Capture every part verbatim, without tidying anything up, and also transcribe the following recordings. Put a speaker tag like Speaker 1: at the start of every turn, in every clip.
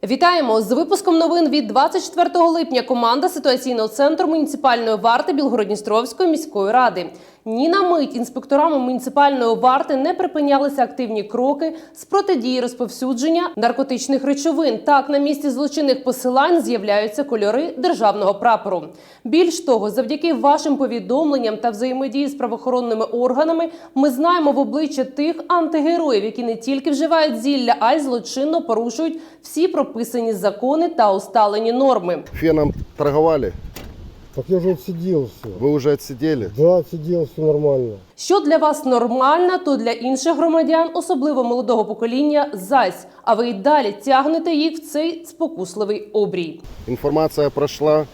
Speaker 1: Вітаємо! З випуском новин від двадцять четвертого липня команда ситуаційного центру муніципальної варти Білгород-Дністровської міської ради. Ні на мить інспекторами муніципальної варти не припинялися активні кроки з протидії розповсюдження наркотичних речовин. Так, на місці злочинних посилань з'являються кольори державного прапору. Більш того, завдяки вашим повідомленням та взаємодії з правоохоронними органами ми знаємо в обличчя тих антигероїв, які не тільки вживають зілля, а й злочинно порушують всі прописані закони та усталені норми.
Speaker 2: Феном торговали?
Speaker 3: Так я уже отсидел все.
Speaker 2: Вы уже отсидели?
Speaker 3: Да, отсидел, все нормально.
Speaker 1: Що для вас нормально, то для інших громадян, особливо молодого покоління, зась. А ви й далі тягнете їх в цей спокусливий обрій.
Speaker 2: Информация прошла.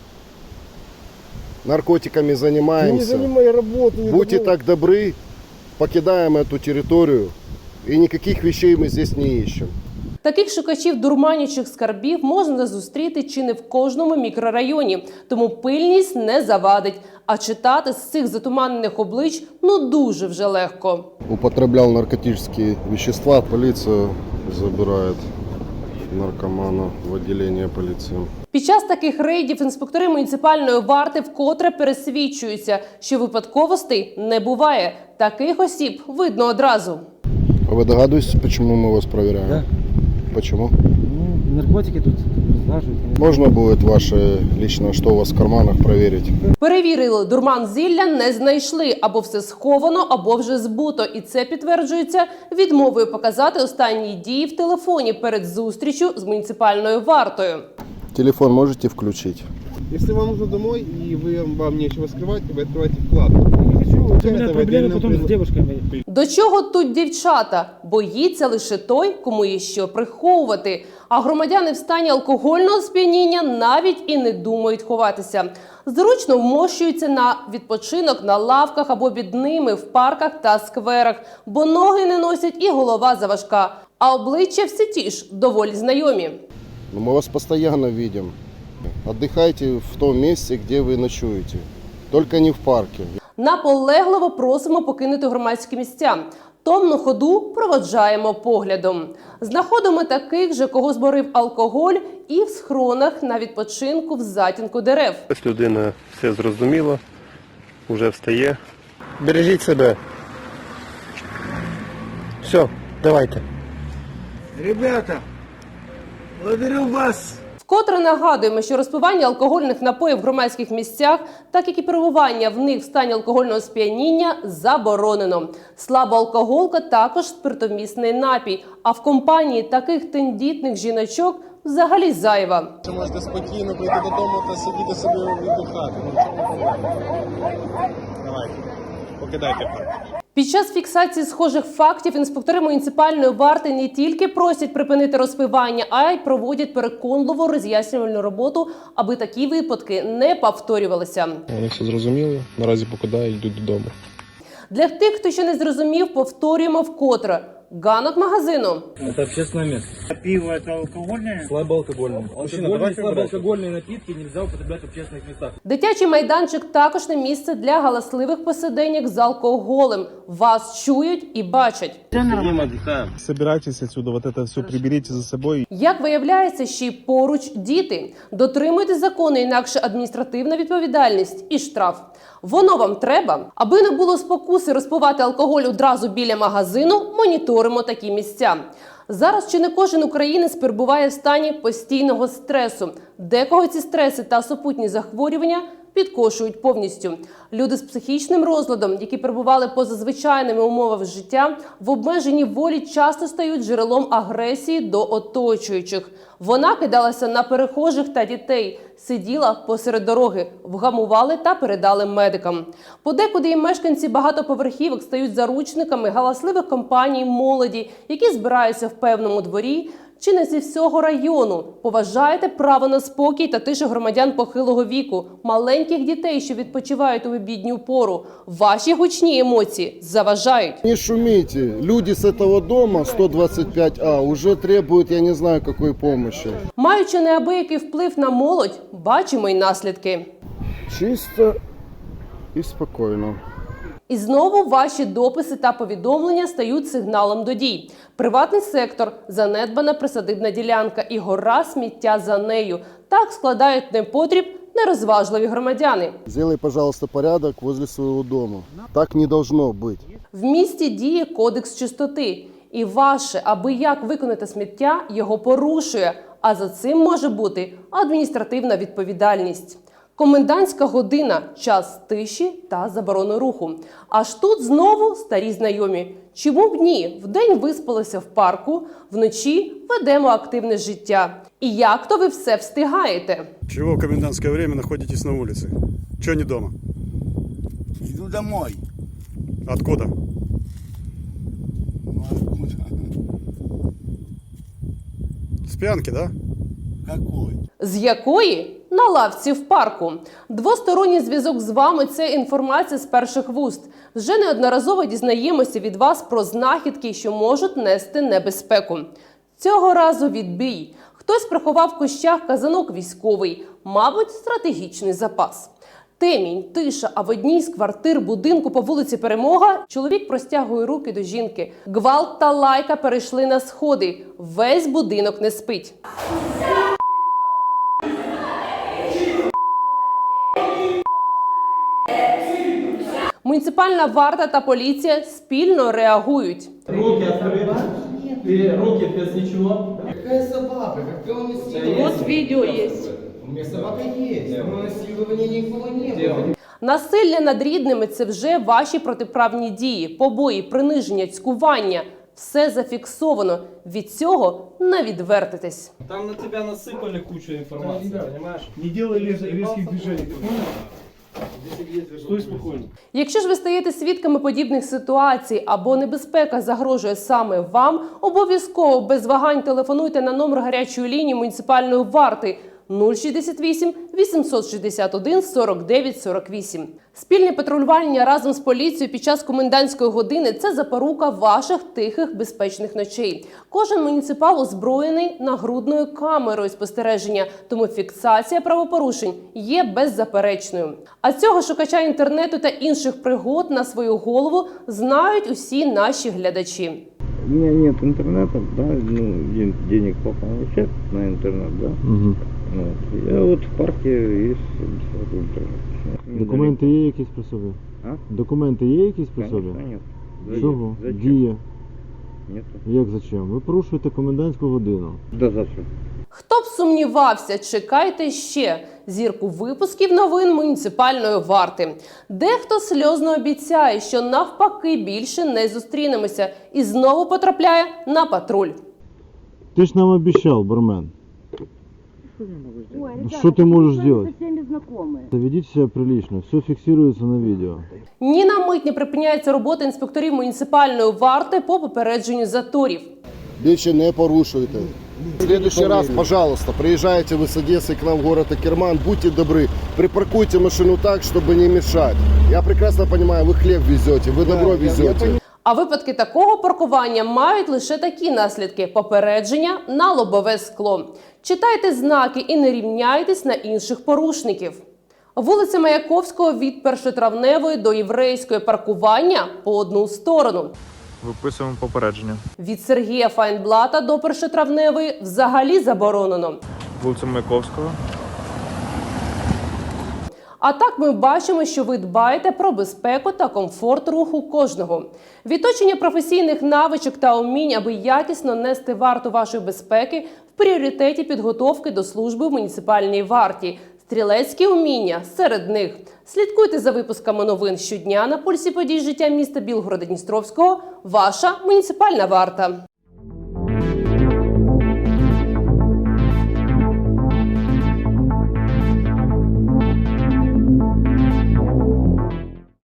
Speaker 2: Наркотиками
Speaker 3: Я не
Speaker 2: занимаемся.
Speaker 3: занимай работу. не
Speaker 2: Будьте
Speaker 3: забыл.
Speaker 2: так добры, покидаем эту территорию. И никаких вещей мы здесь не ищем.
Speaker 1: Таких шукачів дурманячих скарбів можна зустріти чи не в кожному мікрорайоні. Тому пильність не завадить. А читати з цих затуманених облич ну дуже вже легко.
Speaker 2: Употреблял наркотические вещества. Полиция забирает наркомана в отделение полиции.
Speaker 1: Під час таких рейдів інспектори муніципальної варти вкотре пересвідчуються, що випадковостей не буває. Таких осіб видно одразу.
Speaker 2: А вы догадываетесь, почему мы вас проверяем?
Speaker 4: Да.
Speaker 2: Почему?
Speaker 4: Ну, наркотики тут разлаживают.
Speaker 2: Можно будет ваше личное, что у вас в карманах, проверить?
Speaker 1: Перевірили, дурман зілля не знайшли. Або все сховано, або вже збуто. І це підтверджується відмовою показати останні дії в телефоні перед зустрічю з муніципальною вартою.
Speaker 2: Телефон можете включить?
Speaker 5: Если вам нужно домой и вы, вам нечего скрывать, вы открываете вкладку.
Speaker 4: Не хочу, у меня
Speaker 5: Это в
Speaker 4: проблемы
Speaker 5: отдельном
Speaker 4: потом с
Speaker 5: пред-
Speaker 4: девушками.
Speaker 1: До чого тут дівчата? Боїться лише той, кому є що приховувати. А громадяни в стані алкогольного сп'яніння навіть і не думають ховатися. Зручно вмощуються на відпочинок на лавках або під ними в парках та скверах, бо ноги не носять і голова заважка. А обличчя всі ті ж, доволі знайомі.
Speaker 2: Ну, мы вас постоянно видим. Отдыхайте в том месте, где вы ночуете. Только не в парке.
Speaker 1: Наполегливо просимо покинути громадські місця. Томну ходу проводжаємо поглядом. Знаходимо таких же, кого зборив алкоголь, і в схронах на відпочинку в затінку дерев.
Speaker 6: Ось людина все зрозуміла, вже встає.
Speaker 7: Бережіть себе. Все, давайте.
Speaker 5: Ребята, благодарю вас.
Speaker 1: Вкотре нагадуємо, що розпивання алкогольних напоїв в громадських місцях, так як і перебування в них в стані алкогольного сп'яніння, заборонено. Слабоалкоголка також спиртомісний напій, а в компанії таких тендітних жіночок взагалі зайва.
Speaker 5: Ви можете спокійно прийти додому та сидіти собі віддихати. Ну, в чому проблема? Давайте, покидайте парк.
Speaker 1: Під час фіксації схожих фактів інспектори муніципальної варти не тільки просять припинити розпивання, а й проводять переконливу роз'яснювальну роботу, аби такі випадки не повторювалися.
Speaker 8: Вони все зрозуміли, наразі покидають, йдуть додому.
Speaker 1: Для тих, хто ще не зрозумів, повторюємо вкотре. Ганок магазину.
Speaker 4: Это общественное место.
Speaker 9: Пиво это алкогольное?
Speaker 4: Слабоалкогольное. Алкогольные, слабоалкогольные напитки нельзя употреблять в общественных местах.
Speaker 1: Дитячий майданчик також не місце для галасливих посиденьок з алкоголем. Вас чують і бачать.
Speaker 8: Собирайтесь отсюда, вот это все приберите за собой.
Speaker 1: Як виявляється, ще й поруч діти. Дотримуйте закони, інакше адміністративна відповідальність і штраф. Воно вам треба? Аби не було спокуси розпивати алкоголь одразу біля магазину, моніторимо такі місця. Зараз чи не кожен українець перебуває в стані постійного стресу. Декого ці стреси та супутні захворювання підкошують повністю. Люди з психічним розладом, які перебували поза звичайними умовами життя, в обмеженій волі часто стають джерелом агресії до оточуючих. Вона кидалася на перехожих та дітей, сиділа посеред дороги, вгамували та передали медикам. Подекуди і мешканці багатоповерхівок стають заручниками галасливих компаній молоді, які збираються в певному дворі, чи не зі всього району. Поважайте право на спокій та тишу громадян похилого віку, маленьких дітей, що відпочивають у обідню пору. Ваші гучні емоції заважають.
Speaker 2: Не шумите. Люди с этого дома сто двадцать пять А уже требуют, я не знаю, какой помощи.
Speaker 1: Маючи неабиякий вплив на молодь, бачимо й наслідки.
Speaker 2: Чисто и спокойно.
Speaker 1: І знову ваші дописи та повідомлення стають сигналом до дій. Приватний сектор, занедбана присадибна ділянка і гора сміття за нею. Так складають непотріб нерозважливі громадяни.
Speaker 2: Сделай, пожалуйста, порядок возле своего дома. Так не должно быть.
Speaker 1: В місті діє кодекс чистоти. І ваше, аби як виконати сміття, його порушує. А за цим може бути адміністративна відповідальність. Комендантська година – час тиші та заборони руху. Аж тут знову старі знайомі. Чому б ні? Вдень виспалися в парку, вночі ведемо активне життя. І як то ви все встигаєте?
Speaker 10: Чего в комендантское время находитесь на улице? Чего не дома?
Speaker 11: Иду домой.
Speaker 10: Откуда?
Speaker 11: Ну откуда?
Speaker 10: С пьянки, да?
Speaker 11: Какой?
Speaker 1: З якої? На лавці в парку. Двосторонній зв'язок з вами – це інформація з перших вуст. Вже неодноразово дізнаємося від вас про знахідки, що можуть нести небезпеку. Цього разу відбій. Хтось приховав в кущах казанок військовий, мабуть, стратегічний запас. Темінь, тиша, а в одній з квартир будинку по вулиці Перемога чоловік простягує руки до жінки. Гвалт та лайка перейшли на сходи. Весь будинок не спить. Муніципальна варта та поліція спільно реагують.
Speaker 4: Руки открыты. Ты руки без ничего.
Speaker 3: Какая собака? Какое насилие?
Speaker 1: Вот відео є.
Speaker 3: У меня собака есть, но насилования никого не было.
Speaker 1: Насилля над рідними – це вже ваші протиправні дії, побої, приниження, цькування. Все зафіксовано. Від цього не відвертитесь.
Speaker 4: Там на тебя насыпали кучу информации, понимаешь?
Speaker 9: Не делай резких движений. Стой спокойно.
Speaker 1: Якщо ж ви стаєте свідками подібних ситуацій або небезпека загрожує саме вам, обов'язково без вагань телефонуйте на номер гарячої лінії муніципальної варти нуль шістдесят вісім вісімсот шістдесят один сорок дев'ять сорок вісім. Спільне патрулювання разом з поліцією під час комендантської години – це запорука ваших тихих, безпечних ночей. Кожен муніципал озброєний нагрудною камерою спостереження, тому фіксація правопорушень є беззаперечною. А цього шукача інтернету та інших пригод на свою голову знають усі наші глядачі.
Speaker 12: У меня нет интернета, да, ну, ден- денег папа получает на интернет, да.
Speaker 8: Угу.
Speaker 12: Вот. Я вот в парке есть бесплатный интернет.
Speaker 8: Документи є якісь при собі?
Speaker 12: А?
Speaker 8: Документи є якісь при собі?
Speaker 12: Конечно, нет.
Speaker 8: Чого?
Speaker 12: Зачем?
Speaker 8: Діє.
Speaker 12: Нет.
Speaker 8: Як зачем? Ви порушуєте комендантську годину.
Speaker 12: Да зачем?
Speaker 1: Хто б сумнівався, чекайте ще зірку випусків новин муніципальної варти. Дехто сльозно обіцяє, що навпаки більше не зустрінемося і знову потрапляє на патруль.
Speaker 8: Ти ж нам обіцяв, бармен. Что ты можешь сделать? Ведите себя прилично, все фиксируется на видео.
Speaker 1: Ні на мить не припиняється робота інспекторів муніципальної варти по попередженню заторів.
Speaker 2: Більше не порушуйте. В следующий раз, пожалуйста, приезжайте вы с Одессы к нам в город Акерман, будьте добры, припаркуйте машину так, чтобы не мешать. Я прекрасно понимаю, вы хлеб везете, вы добро везете.
Speaker 1: А випадки такого паркування мають лише такі наслідки – попередження на лобове скло. Читайте знаки і не рівняйтесь на інших порушників. Вулиця Маяковського від Першотравневої до Єврейської паркування по одну сторону.
Speaker 5: Виписуємо попередження.
Speaker 1: Від Сергія Файнблата до Першотравневої взагалі заборонено.
Speaker 5: Вулиця Маяковського.
Speaker 1: А так ми бачимо, що ви дбаєте про безпеку та комфорт руху кожного. Відточення професійних навичок та умінь, аби якісно нести варту вашої безпеки, в пріоритеті підготовки до служби в муніципальній варті. Стрілецькі уміння серед них. Слідкуйте за випусками новин щодня на пульсі подій життя міста Білгорода-Дністровського. Ваша муніципальна варта.